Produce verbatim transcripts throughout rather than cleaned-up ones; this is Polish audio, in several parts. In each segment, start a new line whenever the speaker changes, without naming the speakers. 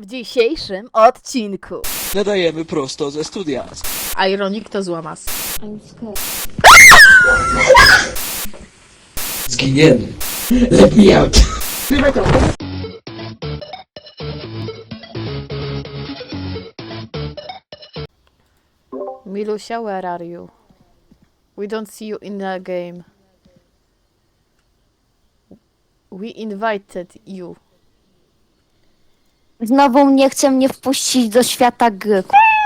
W dzisiejszym odcinku
Nadajemy prosto ze studia.
Ironik to złamas.
Zginiemy. Let me out.
Milusia, where are you? We don't see you in the game. We invited you.
Znowu nie chce mnie wpuścić do świata gry.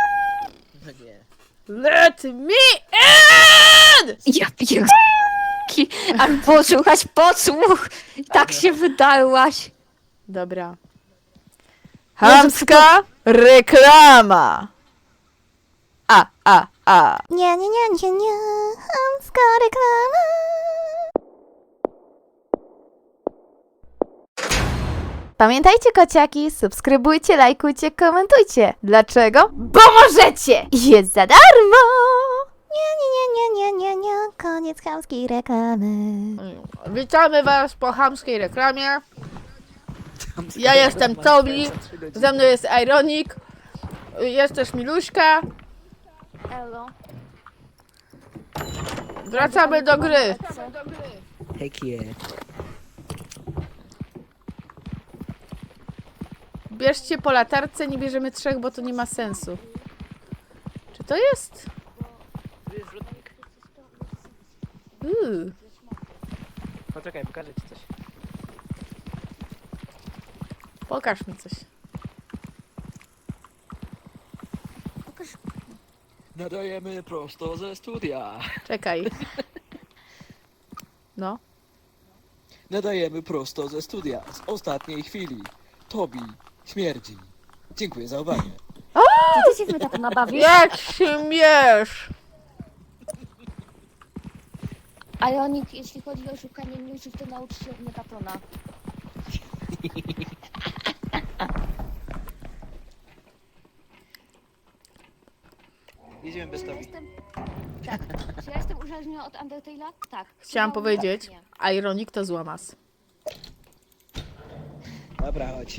Let me in!
Ja pierdolę. Ale posłuchać, podsłuch! Tak się wydarłaś.
Dobra. Chamska reklama. A, a, a.
Nie, nie, nie, nie, nie. Chamska reklama.
Pamiętajcie, kociaki, subskrybujcie, lajkujcie, komentujcie. Dlaczego? Bo możecie! Jest za darmo!
Nie, nie, nie, nie, nie, nie, nie. Koniec chamskiej reklamy.
Witamy was po chamskiej reklamie. Ja jestem Tobi, ze mną jest Ironik, jest też Miluśka.
Elo.
Wracamy do gry.
Heck yeah.
Bierzcie po latarce, nie bierzemy trzech, bo to nie ma sensu. Czy to jest? Uuu.
Poczekaj, pokażę ci coś.
Pokaż mi coś.
Nadajemy prosto ze studia.
Czekaj. No.
Nadajemy prosto ze studia. Z ostatniej chwili. Tobi śmierdzi. Dziękuję za uwagę.
To ty się mnie tak nabawisz?
Jak śmiesz!
Ironik, jeśli chodzi o szukanie newsów, to naucz się od Megatona.
Jedziemy bez
Ja
Tobi.
jestem... Tak. Czy ja jestem uzależniona od Undertale'a? Tak.
Chciałam
No,
powiedzieć,
nie.
Ironik to złamas.
Dobra, chodź.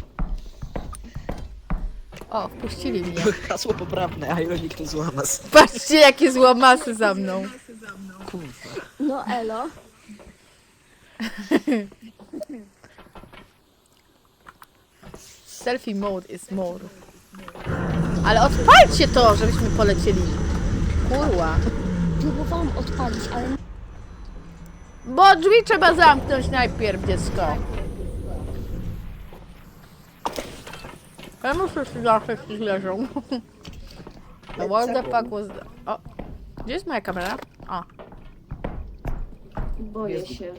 O, wpuścili mnie.
Hasło poprawne, Ironik to złamas.
Patrzcie, jakie złamasy za mną.
Kurwa.
No elo.
Selfie mode is more. Ale odpalcie to, żebyśmy polecieli. Kurwa.
Próbowałam odpalić, ale...
Bo drzwi trzeba zamknąć najpierw, dziecko. Ja muszę się zawsze leżą. What the fuck was that? O, gdzie jest moja kamera? O,
Boję się.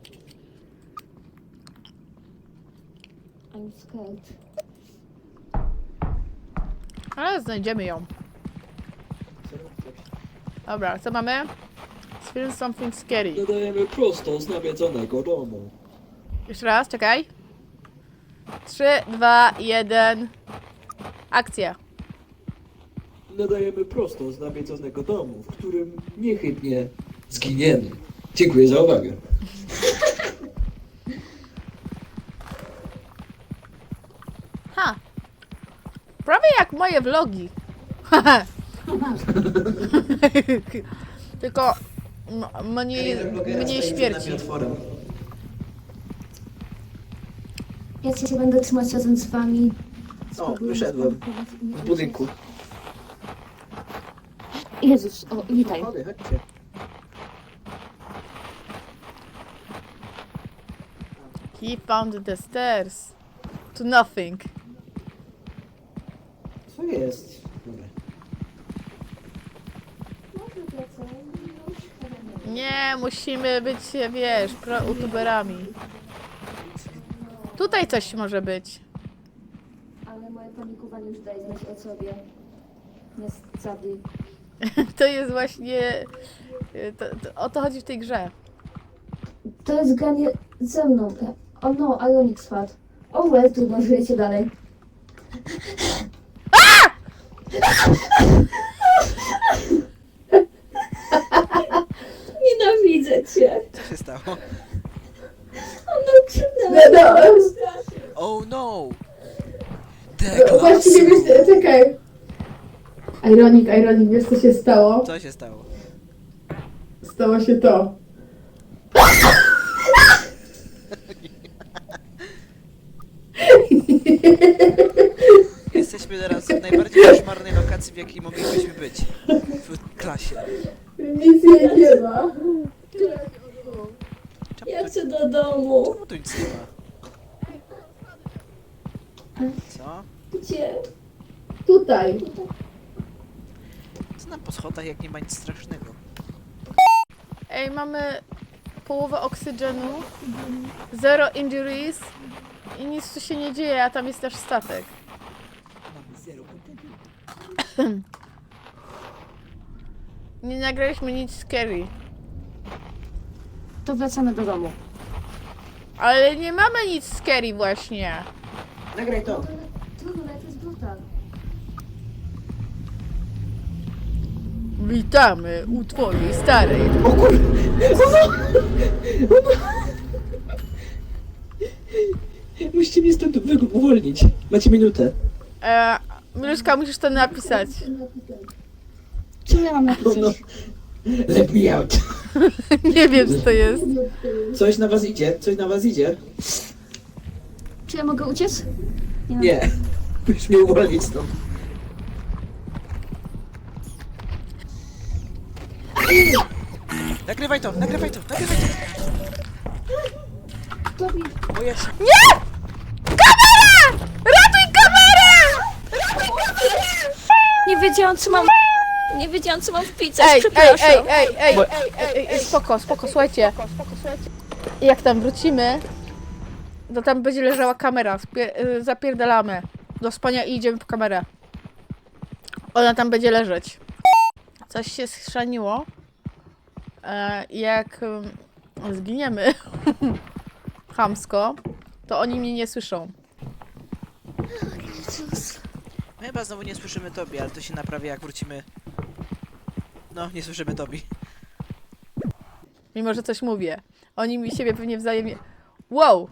I'm scared.
ale znajdziemy ją. Dobra, co mamy? Film something scary.
Nadajemy prosto z nawiedzonego domu.
Jeszcze raz, czekaj. Trzy, dwa, jeden. Akcja.
Nadajemy prosto z nawiedzonego domu, w którym niechybnie zginiemy. Dziękuję za uwagę.
Ha! Prawie jak moje vlogi. Tylko m- mniej, mniej śmierci.
Ja się będę trzymać razem z wami.
O, wyszedłem. W budynku.
Jezus, o, witaj.
Chodźcie, chodźcie.
He found the stairs. To nothing.
Co jest? Dobra.
Nie, musimy być, wiesz, pro-youtuberami. Tutaj coś może być.
Ale moje panikowanie już daje znać o sobie. Niestety.
To jest właśnie... To, to, o to chodzi w tej grze.
To jest granie ze mną. O no, Ironik spadł. O, well, trudno, żyjecie dalej. Nienawidzę cię.
Co się stało?
Ona krzywdała.
Oh no! The
Halo?
Właściwie wiesz, czekaj. Ironik, ironik, wiesz co się stało?
Co się stało?
Stało się to.
Jesteśmy teraz w najbardziej koszmarnej lokacji, w jakiej moglibyśmy być. W klasie.
Nic jej nie ma.
Czemu
Ja
tu,
chcę do domu.
czemu tu nic nie ma? Co?
Gdzie?
Tutaj.
Co nam po schodach, jak nie ma nic strasznego?
Ej, mamy połowę oksygenu, zero injuries i nic tu się nie dzieje, a tam jest też statek. Nie nagraliśmy nic scary.
To wracamy do domu.
Ale nie mamy nic scary właśnie.
Nagraj to.
Trudno, to jest brutal.
Witamy u twojej starej.
O kur... Musicie mnie stąd wy- uwolnić. Macie minutę.
E, Miluszka, musisz to napisać.
Co ja mam napisać?
No. Let me out.
Nie wiem, co to jest.
Coś na was idzie, coś na was idzie.
Czy ja mogę uciec?
Nie. Musisz mnie uwolnić stąd.
Nagrywaj to, nagrywaj to, nagrywaj to!
Tobi,
O Jezu.
Ratuj kamerę!
nie wiedziałam co mam... Nie wiedziałam co mam wpisać,
Ej, ej,
przepraszam.
ej, ej, ej, ej, ej, ej, spoko, spoko, słuchajcie. Jak tam wrócimy, to tam będzie leżała kamera. Spie- y, zapierdalamy do spania i idziemy po kamerę. Ona tam będzie leżeć. Coś się schrzaniło. E, jak ym, zginiemy chamsko, to oni mnie nie słyszą.
My chyba znowu nie słyszymy Tobi, ale to się naprawi, jak wrócimy. No, nie słyszymy Tobi.
Mimo, że coś mówię. Oni mi siebie pewnie wzajemnie... Wow!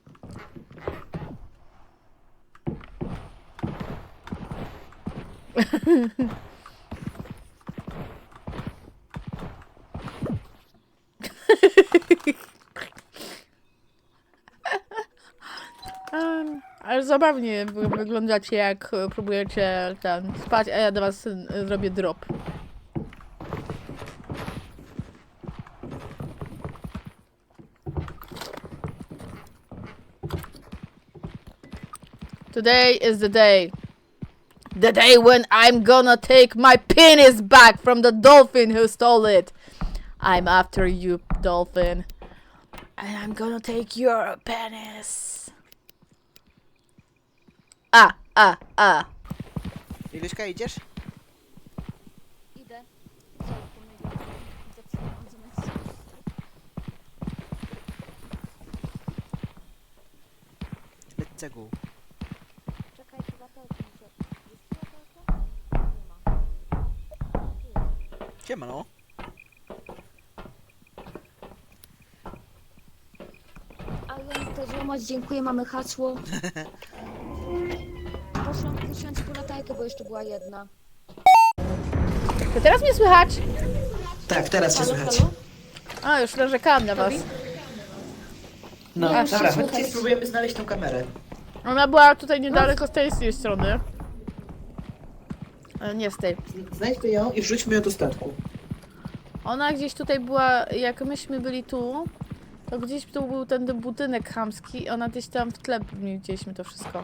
Em, Ale zabawnie wy- wyglądacie, jak e, próbujecie ten spać, a ja do was e, zrobię drop. Today is the day. The day when I'm gonna take my penis back from the dolphin who stole it. I'm after you, dolphin. And I'm gonna take your penis. A, a, a.
Iluśka, idziesz?
Idę.
Let's go.
Czekaj, chyba to
Siema, no.
Ale to złamać, dziękuję, mamy hasło. Poszłam, puściłam ci po latajkę, bo jeszcze była jedna.
To teraz mnie słychać?
Tak, teraz cię
Halo,
słychać.
halo?
A, już narzekałam na was.
No,
Nie,
dobra,
już się
chodźcie,
słychać.
spróbujemy znaleźć tą kamerę.
Ona była tutaj niedaleko z tej, z tej strony. Ale nie z tej.
Znajdźmy ją i wrzućmy ją do statku.
Ona gdzieś tutaj była, jak myśmy byli tu, to gdzieś tu był ten budynek chamski i ona gdzieś tam w tle widzieliśmy to wszystko.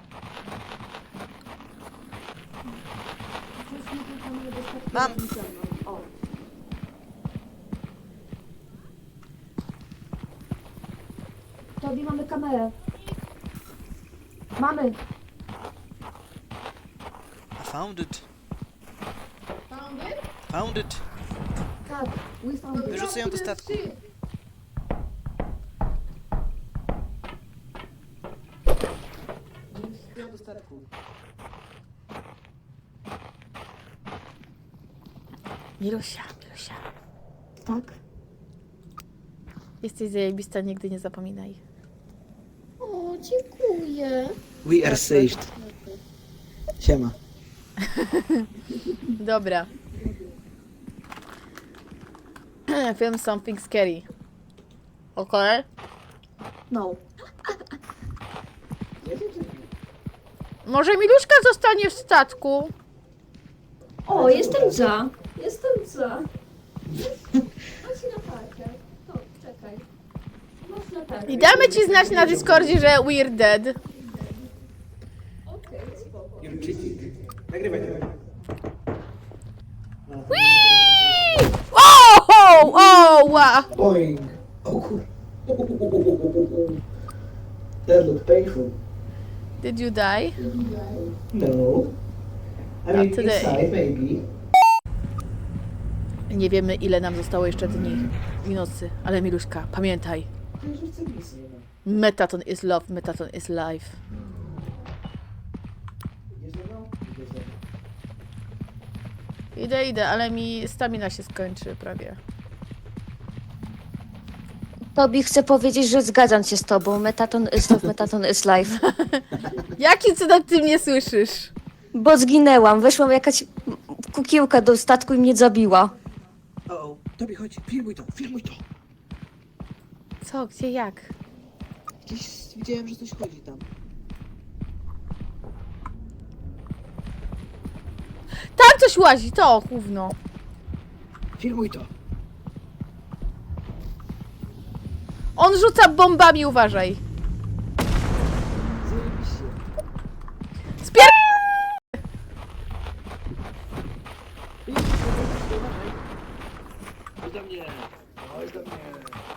Mam!
O. Tobi, mamy kamerę. Mamy.
I found it. Found it.
Tak, we found it.
Wyrzucę ją do statku.
Ją do statku.
Milusia, Milusia.
Tak.
Jesteś zajebista, nigdy nie zapominaj.
O, dziękuję.
We are saved. Siema.
Dobra. Film something scary. Okej?
No.
Może Miluszka zostanie w statku?
O, jestem za. Jestem za. Chodź na parkę. To, czekaj. Chodź na parkę.
I damy ci znać na Discordzie, że we're dead.
Okej, spoko.
Nagrywaj to.
Whee! O, o, o, ła.
Boing. O kur... That looked painful.
Did you die?
No. I mean,
today.
inside maybe.
Nie wiemy, ile nam zostało jeszcze dni i nocy, ale Miluszka, pamiętaj. Metaton is love, metaton is life. Idę, idę, ale mi stamina się skończy prawie.
Tobi, chcę powiedzieć, że zgadzam się z tobą. Metaton is love, metaton is life.
Jakim cudem ty mnie słyszysz?
Bo zginęłam. Weszłam jakaś kukiłka do statku i mnie zabiła.
O, Tobi, chodź, filmuj to, filmuj to.
Co, gdzie, jak?
Gdzieś widziałem, że coś chodzi tam.
Tam coś łazi, to gówno.
Filmuj to.
On rzuca bombami, uważaj.
Zajebiście.
Spier...
Chodź do mnie! Chodź do mnie!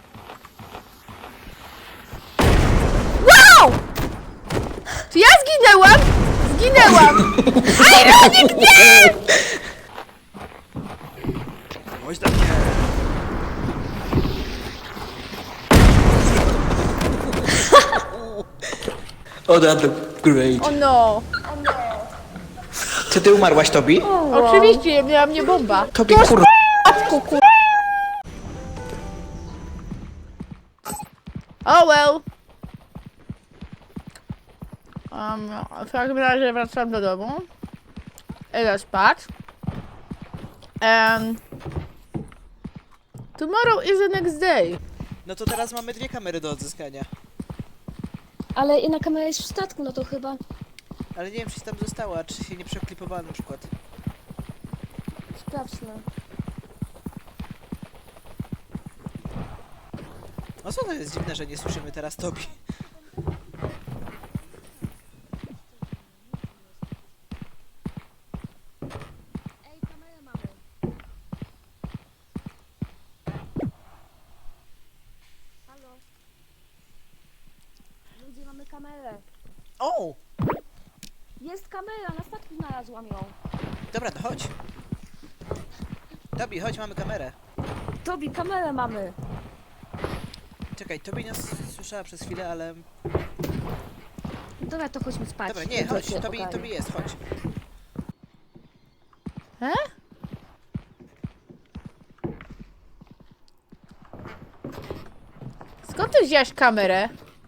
Wow! Czy ja zginęłam? Zginęłam! Ironik, nie!
Chodź do mnie! Oh, that looked great.
O no.
Czy ty umarłaś, Tobi?
Oczywiście, miała mnie bomba.
Tobi, kur...
Matku, kur... Oh well. Um, w każdym razie wracam do domu. Idę spać. Um, tomorrow is the next day.
No to teraz mamy dwie kamery do odzyskania.
Ale inna kamera jest w statku, no to chyba...
Ale nie wiem, czy tam została, czy się nie przeklipowała na przykład.
Sprawdźmy.
No co to jest dziwne, że nie słyszymy teraz Tobi.
Ej, kamerę mamy. Halo? Ludzie, mamy kamerę.
O!
Jest kamera, na statku znalazłam ją.
Dobra, to chodź. Tobi, chodź, mamy kamerę.
Tobi, kamerę mamy.
Czekaj, Tobi nas słyszała przez chwilę, ale...
Dobra, to chodźmy spać.
Dobra, nie,
To
chodź,
się
Tobi,
ogarnie.
Tobi jest, chodź.
E? Skąd ty wziąłeś kamerę?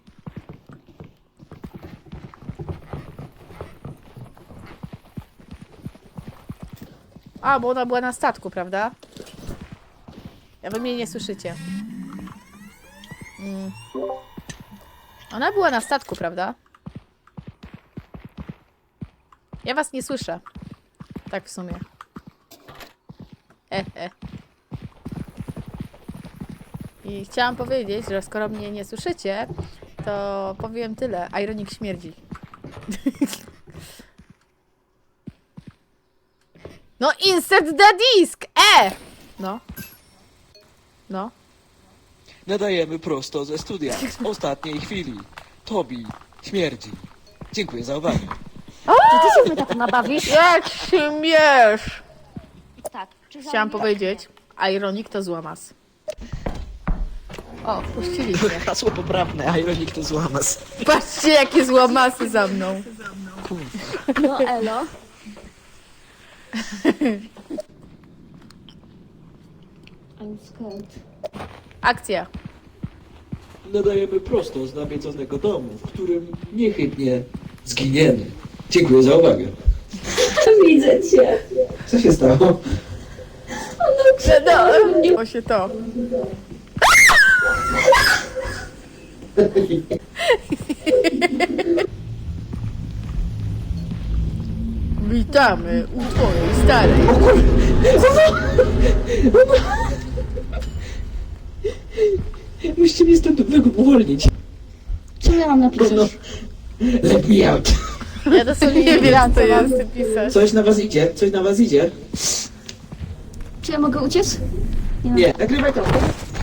A, bo ona była na statku, prawda? Ja wy mnie nie słyszycie. Mm. Ona była na statku, prawda? Ja was nie słyszę. Tak w sumie. E, e. I chciałam powiedzieć, że skoro mnie nie słyszycie, to powiem tyle. Ironik śmierdzi. No insert the disk! E! No. No.
Nadajemy prosto ze studia, z ostatniej chwili. Tobi, śmierdzi. Dziękuję za uwagę.
Czy ty się mnie tak nabawisz?
Jak śmiesz!
Tak. Czy
Chciałam
za-
powiedzieć, Ironik to złamas. O, wpuścili mnie.
Hasło poprawne, Ironik to złamas.
Patrzcie, jakie złamasy za mną.
No elo.
I'm scared.
Akcja.
Nadajemy prosto z nawiedzonego domu, w którym niechybnie zginiemy. Dziękuję za uwagę.
Widzę cię.
Co się stało?
No, o się to. Witamy u twojej starej.
Musicie mnie stąd uwolnić.
Co miałam
No,
napisać?
no. Let me out.
Ja dosłownie nie wiem, co jest pisać.
Coś na was idzie, coś na was idzie.
Czy ja mogę uciec?
Nie, nagrywaj to.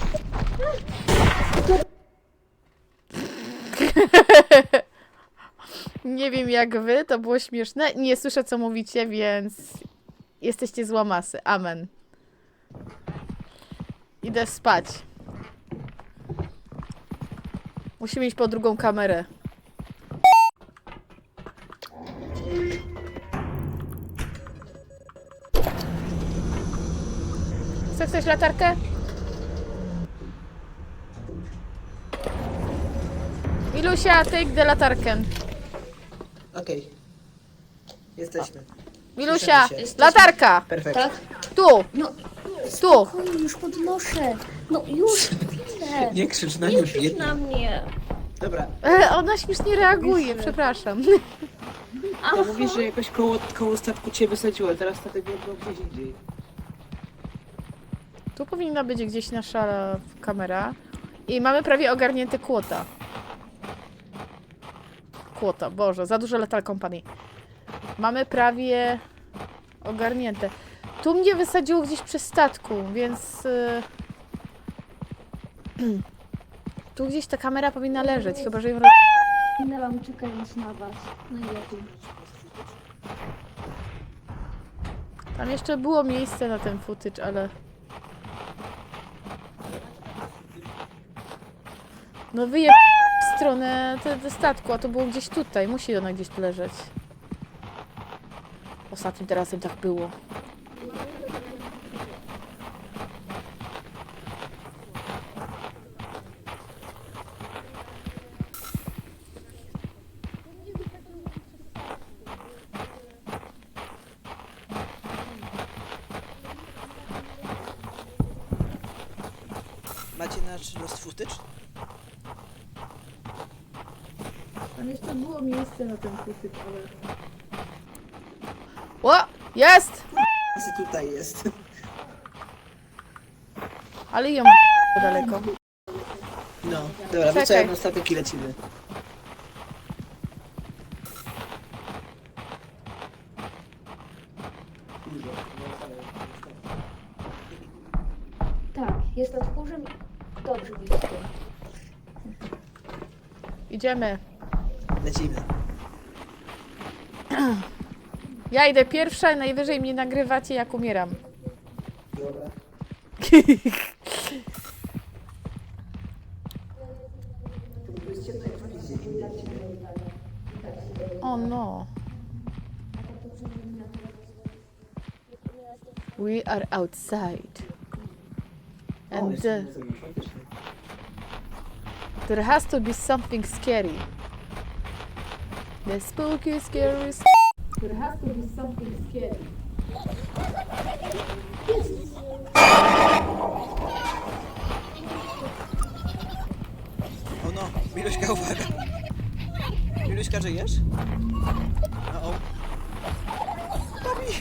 Nie wiem jak wy, to było śmieszne. Nie słyszę co mówicie, więc jesteście z łamasy. Amen. Idę spać. Musimy iść po drugą kamerę. Chce ktoś latarkę? Milusia, take the latarkę.
Okej. Jesteśmy.
Milusia,
Słyszymy się.
latarka!
Perfekt.
Tak?
Tu,
No,
tu.
spokojnie, już podnoszę. No już, chwilę.
Nie krzycz na
Nie
nią,
krzycz
biedna.
na mnie.
Dobra.
E, ona śmiesznie reaguje, przepraszam.
To mówisz, że jakoś koło, koło statku cię wysadziło, teraz statek był gdzieś indziej.
Tu powinna być gdzieś nasza kamera. I mamy prawie ogarnięte kłota. Kłota, Boże, za dużo Lethal Company. Mamy prawie ogarnięte. Tu mnie wysadziło gdzieś przy statku, więc... y, tu gdzieś ta kamera powinna leżeć, chyba że ją... roz-
Minęłam czekając na was. Najlepiej.
Tam jeszcze było miejsce na ten footage, ale... No wyje w stronę te, te statku, a to było gdzieś tutaj. Musi ona gdzieś tu leżeć. Ostatnim razem tak było.
Macie nasz Lost Footage?
Tam jeszcze było miejsce na ten footage, ale... O! Jest!
Co tutaj jest?
Ale ją daleko.
No, dobra,
Czekaj.
wracamy na statek i lecimy.
Tak, jest nad tchórzem. Dobrze, blisko.
Idziemy.
Lecimy.
Ja idę pierwsza i najwyżej mnie nagrywacie jak umieram.
Dobra.
O no. We are outside. And uh, there has to be something scary. The spooky, scary. s- There has to be something scary.
O no, Miluśka, uwaga. Miluśka, żyjesz? O, o. Tobi!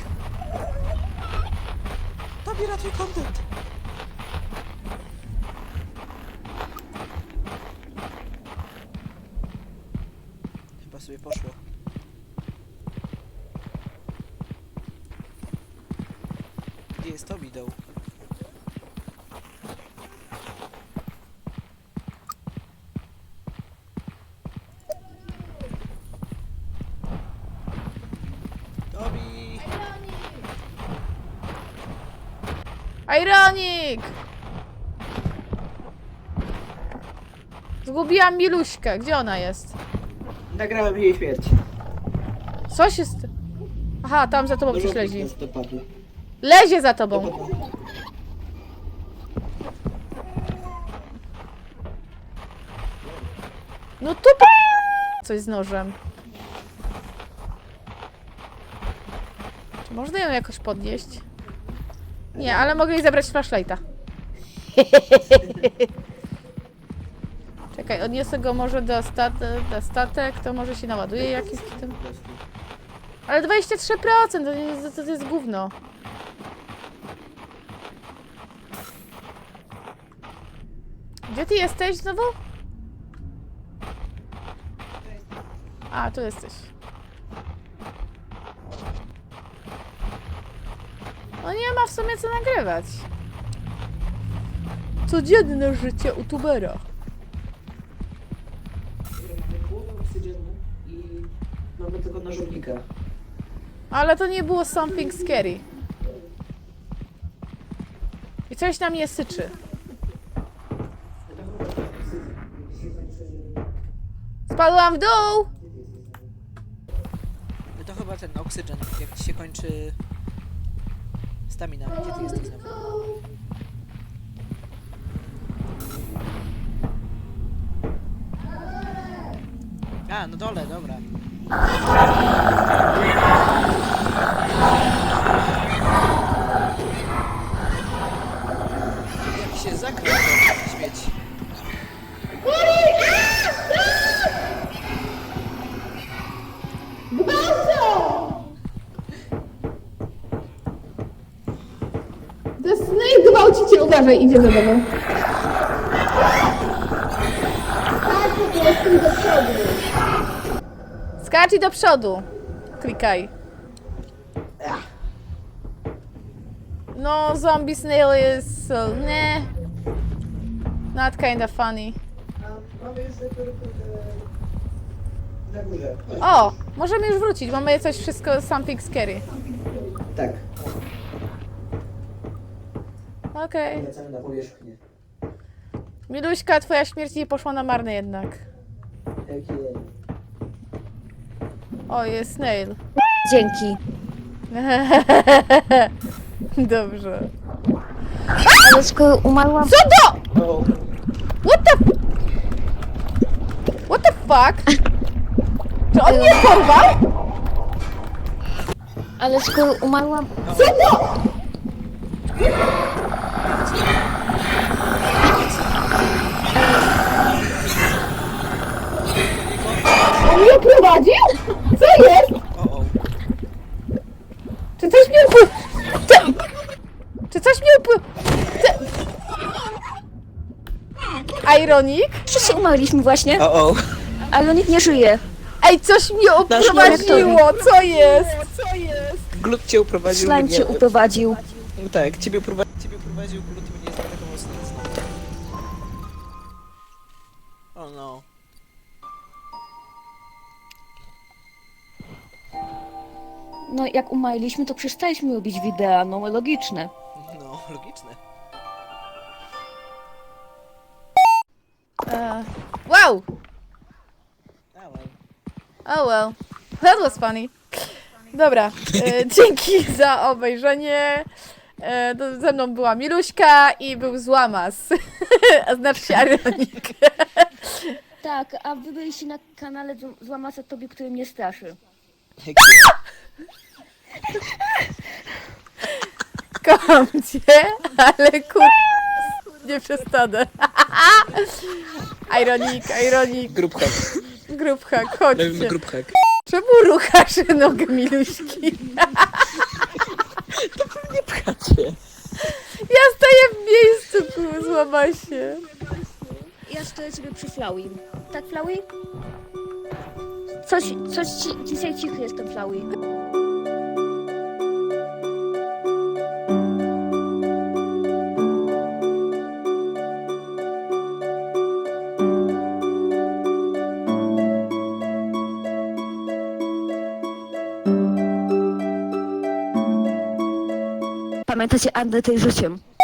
Tobi, ratuj content! Chyba sobie poszło. Gdzie jest Tobi, doł? Tobi!
Ironik! Zgubiłam Miluśkę. Gdzie ona jest?
Nagrałem jej śmierć.
Co się... St- Aha, tam za tobą gdzieś lezi.
nas dopadł.
Lezie za tobą.
Dopadł.
No tu p- coś z nożem. Czy można ją jakoś podnieść? Nie, ale mogę jej zabrać flashlighta. Czekaj, odniosę go może do, stat do statek, to może się naładuje jakiś w tym. Ale dwadzieścia trzy procent to, nie- to, to jest gówno. Gdzie ty jesteś znowu? A, tu jesteś. No nie ma w sumie co nagrywać. Codzienne życie youtubera.
Mamy połowę oksygenu i mamy tego nożownika.
Ale to nie było something scary. I coś na mnie syczy. Spadłam w dół!
No to chyba ten oksygen, jak ci się kończy stamina. Gdzie ty jesteś znowu? A, no dole, dobra. Jak się zakrył to śmieć.
To jest snake gwałciciel, uważaj, idzie za tobą. Skacz i do przodu. Klikaj. No, zombie snail is so, ne. Not kinda funny.
Mamy już na górze.
O, możemy już wrócić, mamy coś wszystko something scary.
Tak,
Okej.
wracamy na powierzchnię.
Miluśka, twoja śmierć nie poszła na marne jednak.
Tak jest.
O, jest snail.
Dzięki.
Dobrze.
Ale skoro umarłam...
Co to?
O,
What the... What the fuck? Czy on mnie porwał?
Ale skoro umarłam...
On mnie prowadził? Co jest?
O, o.
Czy coś mnie upły... Czy coś mnie upły... Ironik?
Wszyscy umarliśmy właśnie,
O, o.
ale nikt nie żyje.
Ej, coś mnie uprowadziło! Co jest? Co jest?
Glut cię uprowadził
Slime
mnie.
cię uprowadził.
No tak, ciebie, uprowa ciebie uprowadził, glut mnie jest taką mocno. O no.
No jak umarliśmy, to przestaliśmy robić wideo, no logiczne.
No, logiczne.
Uh, wow!
A, well.
Oh well. That was funny. Dobra, e, dzięki za obejrzenie. E, to ze mną była Miluśka i był Złamas. A znaczy się Ironik.
Tak, a wy byliście na kanale Złamasa Tobie, który mnie straszy.
Kocham cię, ale kur... nie przestanę. Ironik, Ironik,
Group hack.
group hack,
Robimy
chodźcie.
group hack.
Czemu ruchasz nogę Miluśki?
Nie pchacie.
Ja stoję w miejscu, ku- złamaj się.
Ja stoję sobie przy Flowey. Tak, Flowey? Coś, coś ci, dzisiaj cichy jestem, Flowey. Pamiętacie Undertale życiem?